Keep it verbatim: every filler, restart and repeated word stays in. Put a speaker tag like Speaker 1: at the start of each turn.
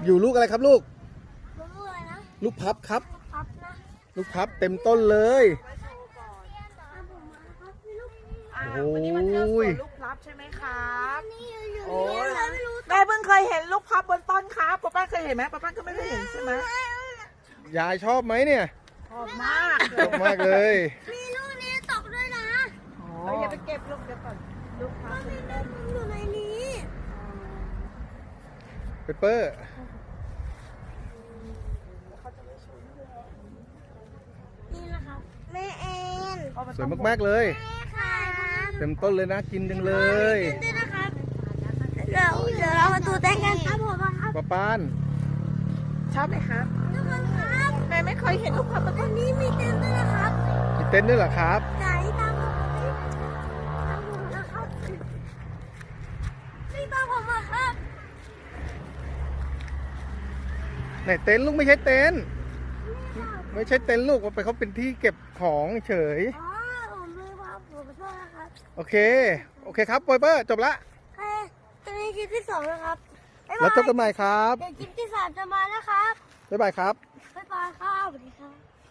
Speaker 1: อยู่ลูกอะไรครับลูก
Speaker 2: ลูกอะไรนะ
Speaker 1: ลูกพับครับ
Speaker 2: พับนะ
Speaker 1: ลูกพับเต็มต้นเลยโอ้
Speaker 3: วันนี้มาเที่ยวสวน
Speaker 1: ย
Speaker 3: ลูกพลับใช่ไหมครับ
Speaker 2: นี่อยู่
Speaker 3: โอ้ย
Speaker 2: นี่ไม่รู้
Speaker 3: แม่เพิ่งเคยเห็นลูกพลับบนต้นครับป้าป้าเคยเห็นไหมป้าป้าก็ไม่ได้เห็นใช่ไหม
Speaker 1: ยายชอบไหมเนี่ย
Speaker 3: ชอบมาก
Speaker 1: ชอบมากเลย
Speaker 2: มีลูกนี้ตกด้วยนะ
Speaker 3: เอ้ยอย่าไปเก็บลูกเดี๋ยวก่อนลูกพลับ
Speaker 2: มีลูกอยู่ในนี้
Speaker 1: เปเปอร์
Speaker 2: นี่นะครับแม่เอ็น
Speaker 1: สวยมากๆเลย
Speaker 2: แม่ค่ะ
Speaker 1: เต็มต้นเลยนะกินจังเลย
Speaker 2: เต้นด้วยนะครับเดี๋ยวเดี๋ยวเรามาดูเต้นกันครับผมครับ
Speaker 1: ป้าปาน
Speaker 3: ชอบไหมครับ
Speaker 2: ทุกคนครับ
Speaker 3: แม่ไม่เคยเห็นลูกพลับบน
Speaker 2: อั
Speaker 3: ต้
Speaker 2: น
Speaker 3: น
Speaker 2: นี้มีเต้นด้วยนะครับ
Speaker 1: มีเต้นด้วยเหรอครับ
Speaker 2: ไหนตามผมมาตามผมนะครับนี่ตามผมมาครับ
Speaker 1: ไหนเต็นท์ลูกไม่ใช่เต็นท์ไม่ใช่เต็นท์ลูกมันเป็นเขาเป็นที่เก็บของเฉย
Speaker 2: อ๋อผมลืมครับผมขอโทษนะครับ
Speaker 1: โอเคโอเคครับเปเปอร์จบละ
Speaker 2: เอ้ยตอนนี้คลิปที่สองนะครับบ๊ายบาย
Speaker 1: แล้วเจอกันใหม่ครับ
Speaker 2: เดี๋ยวคลิปที่สามจะมานะครับ
Speaker 1: บ๊ายบายครับ
Speaker 2: บ๊ายบายครับสวัสดีครับ